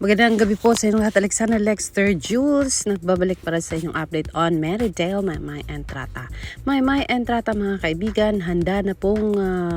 Magandang gabi po sa inyong lahat. Alexander Lexter Jules. Nagbabalik para sa inyong update on Merrydale, Maymay Entrata. Maymay Entrata mga kaibigan, handa na pong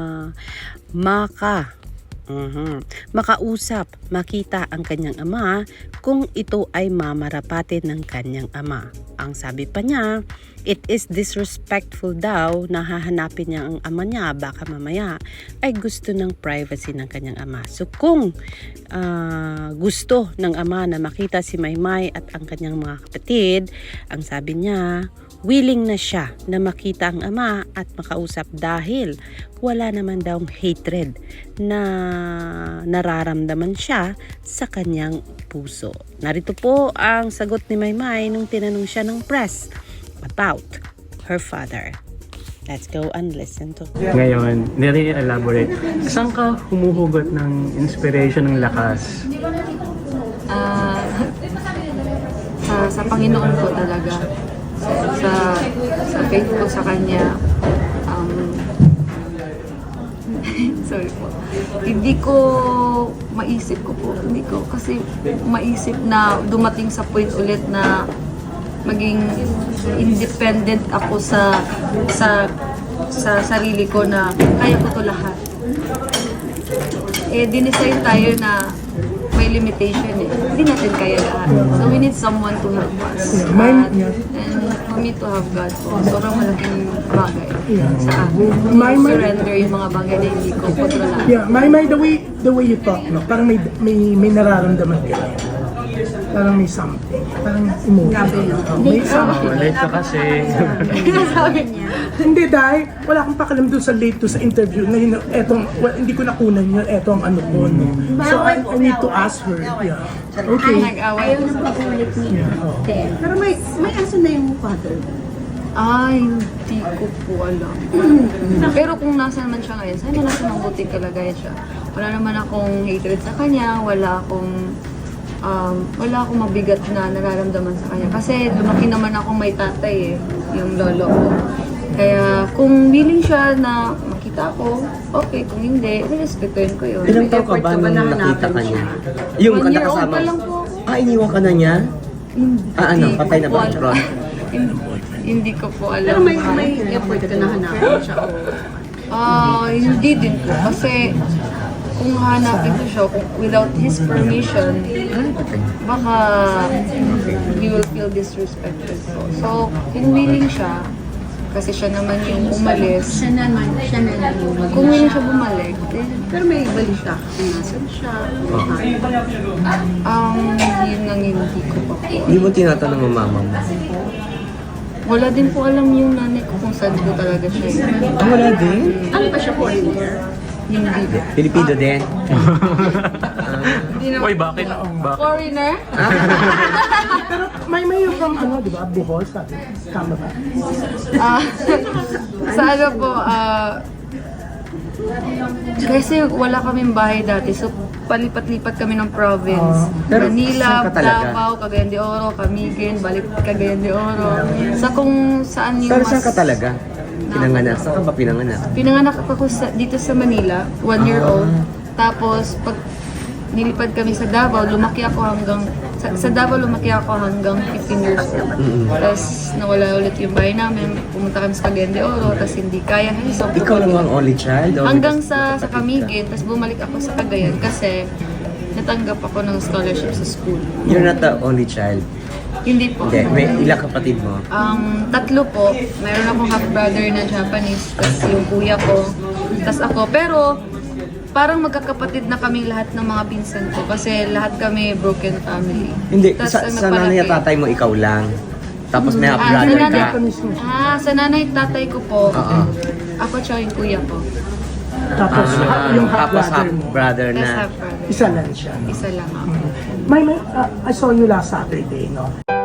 makausap, makita ang kanyang ama kung ito ay mamarapatin ng kanyang ama. Ang sabi pa niya, it is disrespectful daw na hahanapin niya ang ama niya, baka mamaya ay gusto ng privacy ng kanyang ama. So kung gusto ng ama na makita si Maymay at ang kanyang mga kapatid, ang sabi niya, willing na siya na makita ang ama at makausap dahil wala naman daw hatred na nararamdaman siya sa kanyang puso. Narito po ang sagot ni Maymay nung tinanong siya ng press about her father. Let's go and listen to. Ngayon, nire-elaborate. Saan ka humuhugot ng inspiration, ng lakas? Sa Panginoon ko talaga. Sa faith ko sa Kanya. Sorry po. Hindi ko maisip kasi maisip na dumating sa point ulit na maging independent ako sa sarili ko na kaya ko to lahat. Dinesign tayo na may limitation Hindi natin kaya lahat. So we need someone to help us. And for me to have God po, sobrang malaking bagay sa akin. Surrender yung mga bagay na hindi ko kontrolado. Yeah, Maymay, the way you talk, no? Parang may nararamdaman ka. Parang may something. Parang emotion. May something. Late ka kasi. Sabi niya. Hindi dahil wala akong pakialam doon sa late to sa interview. Ngayon, hindi ko nakunan yun. Eto ang ano ko. No? So I need to ask her. Yeah. Okay. Nag-away. Ayaw na pag-ulit ni Pero may aso na yung father. Hindi ko po alam. Pero kung nasa naman siya ngayon, sana nasa mabuting kalagayan siya. Wala naman akong hatred sa kanya, wala akong mabigat na nararamdaman sa kanya. Kasi lumaki naman akong may tatay yung lolo ko. Kaya kung willing siya na makita ko, okay. Kung hindi, respetuhin ko yun. Ilang taon ka ba nung nakita ka niya? Yung 1 year old kasama? pa lang po ako. Iniwan ka na niya? Hindi Patay na ko ba po si Ron? Hindi ko po alam. Pero may effort ka na hanapin siya. Hindi din po. Kasi kung hanapin ko siya without his permission, baka he will feel disrespected po. So, kung willing siya, kasi siya naman yung umalis. Siya na lang yung Kung willing siya bumalik, Pero may balik siya. Kung nasan siya. yun ang hindi ko pa po. Hindi mo tinatanong ang mama mo? Wala din po alam yung nanay ko kung saan ko talaga siya. Wala din? Ano pa siya foreigner? Hindi din. Pilipino din? Hindi naman. Uy, bakit? Foreigner? Pero may yung from di ba? Bohol, sabi. Tama ba? Sa ano po, kasi wala kaming bahay dati, so palipat-lipat kami ng province. Pero Manila, saan ka talaga? Davao, Cagayan de Oro, Camiguin, balik Cagayan de Oro. Sa kung saan yung Pero saan ka talaga? Pinanganak? Saan ka ba pinanganak? Pinanganak ako dito sa Manila, 1 year old. Tapos pag nilipad kami sa Davao, lumaki ako hanggang sa Davao lumaki ako hanggang 15 years old. Tapos nawala ulit yung bahay namin, pumunta kami sa Cagayan de Oro, tapos hindi kaya. So, Ikaw lang ang only child? hanggang sa Camiguin, tapos bumalik ako sa Cagayan kasi natanggap ako ng scholarship sa school. You're not the only child? Hindi po. Hindi. May ilang kapatid mo? Tatlo po. Mayroon akong half-brother na Japanese, tapos yung kuya ko, tapos ako. Pero parang magkakapatid na kaming lahat ng mga pinsan ko kasi lahat kami broken family. Hindi. Tas Sa ang nanay at nagpalaki. tatay mo, ikaw lang. Tapos may Sa half-brother nanay, ka. sa nanay at tatay ko po, Oo. ako tsaka yung kuya ko. Tapos yung Tapos half-brother mo. half-brother Tapos na. half-brother. Isa lang siya. No? Isa lang ako. May, I saw you last Saturday, no?